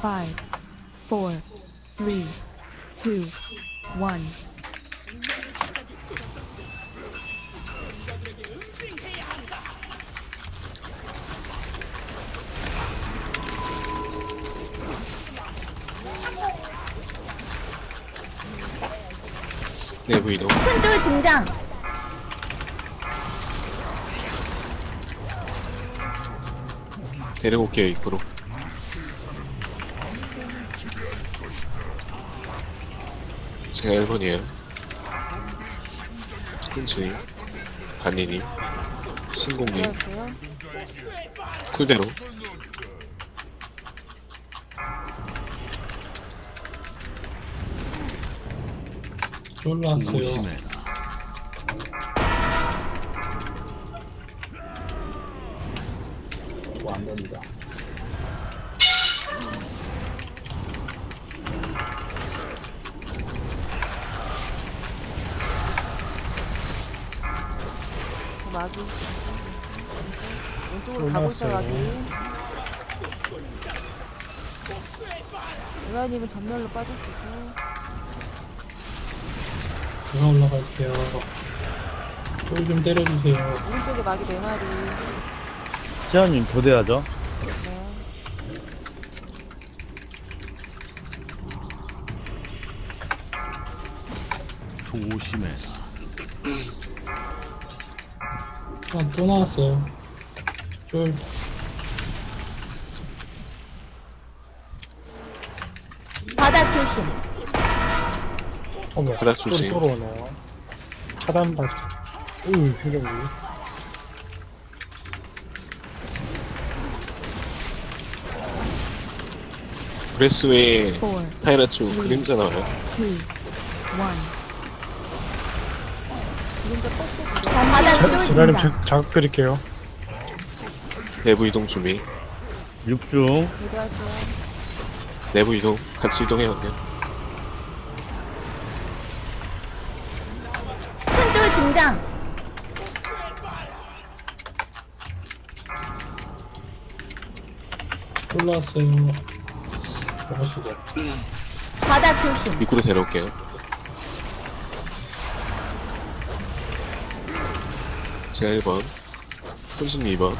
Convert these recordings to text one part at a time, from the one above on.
5, 4, 3, 2, 1. 내부 이동. 큰줄 등장. 데리고 올게요, 입구로. 제가 1번이에요. 훈치님, 반니님, 신공님, 할게요. 쿨대로. 올라왔어요. 안 됩니다. 마귀. 왼쪽으로 가고 있어 마귀. 의아님은 전멸로 빠질 수 있고. 제가 올라갈게요. 쫄좀 때려주세요. 오른쪽에 마귀 4마리. 시아님 교대하죠? 네. 조심해. 아, 또 나왔어요. 쫄. 바닥 조심. 어머, 바닥 조심. 쫄 오네요. 차단 받. 생각이. 브레스웨이 4, 타이라츠 그림자 나와요. 2, 1. 그림자 뻑뻑. 바닥 쫄 지라님 등장. 자극 드릴게요. 내부 이동 준비. 6중 기대할게요. 내부 이동. 같이 이동해요, 그냥. 큰줄 등장. 올라왔어요. 먹을 수가 없. 바닥 조심. 입구로 데려올게요. 제가 1번. 훈수님 2번.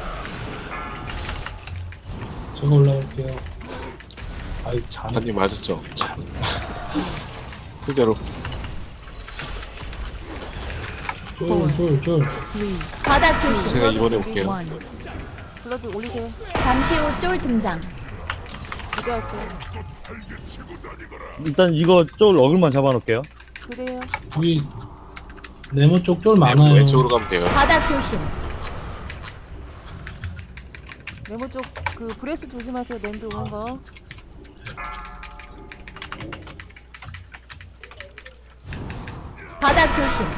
제가 올라갈게요. 아이, 참. 반님 맞았죠? 쿨대로. 쫄. 3. 바닥 조심. 제가 이번에 올게요. 1. 블러드 올리세요. 잠시 후 쫄 등장. 기대할게요. 일단 이거 쫄 어글만 잡아놓을게요. 그래요. 여기 네모 쪽 쫄 내부 많아요. 왼쪽으로 가면 돼요. 바닥 조심. 네모 쪽 그 브레스 조심하세요. 랜드 오는 거. 바닥 조심.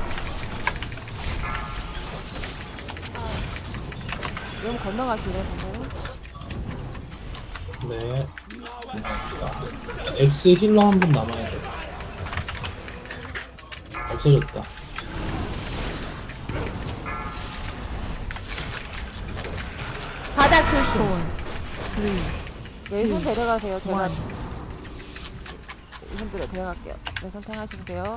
네모 건너가시래 방금. 네. X 힐러 한 분 남아야 돼. 없어졌다. 바닥 조심. 3. 내손 데려가세요. 제가 원. 이손 데려갈게요. 내손 탱하시면 돼요.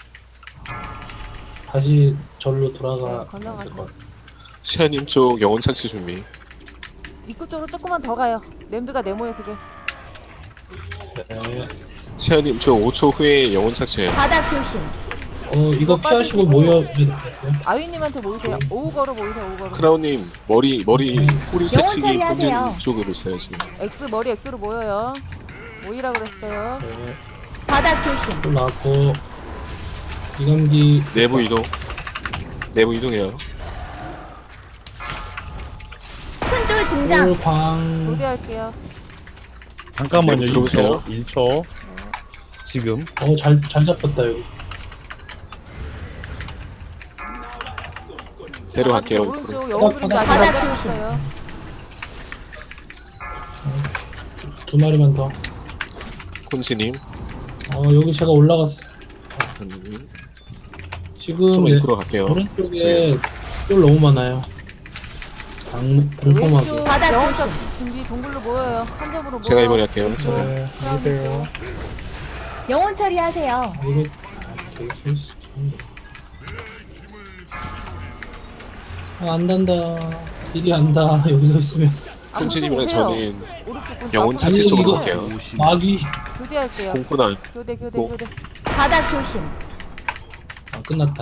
다시 절로 돌아가. 네, 건너가세요. 될것 같아. 시아님 쪽 영혼 착시 준비. 입구 쪽으로 조금만 더 가요. 램드가 네모에 서게. 네. 시아님 쪽 5초 후에 영혼 착시해요. 바닥 조심. 이거 피하시고 모여. 네. 아위님한테 모이세요. 오우거로 모이세요. 오우거로. 크라운님 머리 꼬리 새치기 처리하세요. 본진 쪽으로 있어요 지금. X 머리 X로 모여요. 모이라 그랬어요. 네. 바닥 조심. 쫄 나왔고. 이감기. 내부 이동. 내부 이동해요. 큰줄 등장. 쫄광. 교대할게요. 잠깐만요. 네, 들어오세요. 1초 지금 잘 잡혔다, 여기. 데려갈게요. 입구로. 오른쪽 영웅 그림자 바닥 아직 안 조심. 잡혔어요. 두 마리만 더. 콘치님, 여기 제가 올라갔어. 반님. 지금 좀 네, 입구로 갈게요. 오른쪽에 쫄 너무 많아요. 공포하게. 왼쪽 바닥 영혼삭 조심. 준비 동굴로 모여요. 한 점으로 모여. 제가 이번에 할게요. 선생님. 네. 안녕하세요. 영혼 처리하세요. 아, 이거 되게 재밌어. 안 단다. 일이 안다. 여기서 있으면. 콘치님은 저는 오른쪽 분 영혼 앞으로 차지 아니, 쪽으로 이거- 갈게요. 조심해. 마귀. 교대할게요. 공포나 교대 고. 교대. 바닥 조심. 아, 끝났다.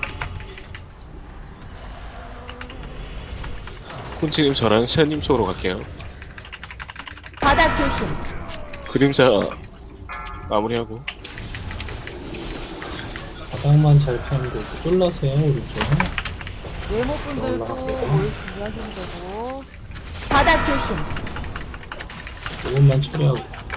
콘치님 저랑 샤님 쪽으로 갈게요. 바닥 조심. 그림자 마무리하고. 바닥만 잘 피하면 되고. 쫄라세요, 오른쪽. 네모분들도 뭘 준비하시면 되고. 바닥 조심. 이것만 처리하고.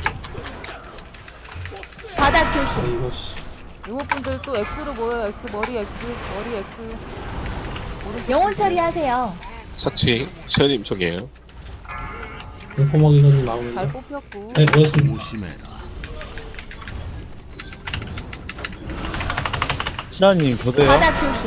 바닥 아, 조심. 이거, 씨. 네모분들 또 X로 모여요. X 머리 X 머리 X. 오른쪽 영혼 분들. 처리하세요. 사치 샤님 쪽이에요. 공포먹이가 좀 나오는데. 잘 뽑혔고. 네, 그렇습니다. 조심해라. 시아님 교대요. 바닥 조심.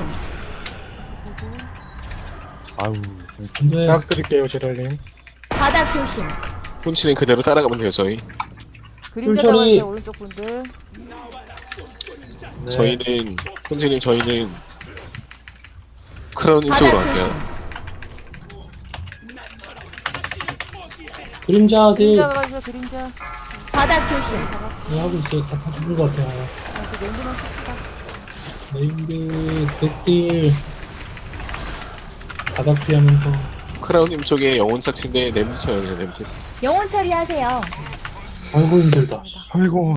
아우. 근데, 부탁드릴게요, 제랄님. 바닥 조심. 콘치님 그대로 따라가면 돼요. 저희. 그림자 꿀처리. 잡아주세요. 오른쪽 분들. 네. 저희는 콘치님 저희는 크라운님 쪽으로 바닥 갈게요. 조심. 그림자들 그림자 잡아주세요. 그림자. 바닥 조심. 네, 하고 있어요. 다 죽은 것 같아요. 그 랜드만 씁시다. 네임드, 백딜. 바닥 피하면서. 크라운님 쪽에 영혼 삭치인데 냄새 쳐요. 그냥 냄새. 영혼 처리하세요. 아이고, 힘들다. 아이고.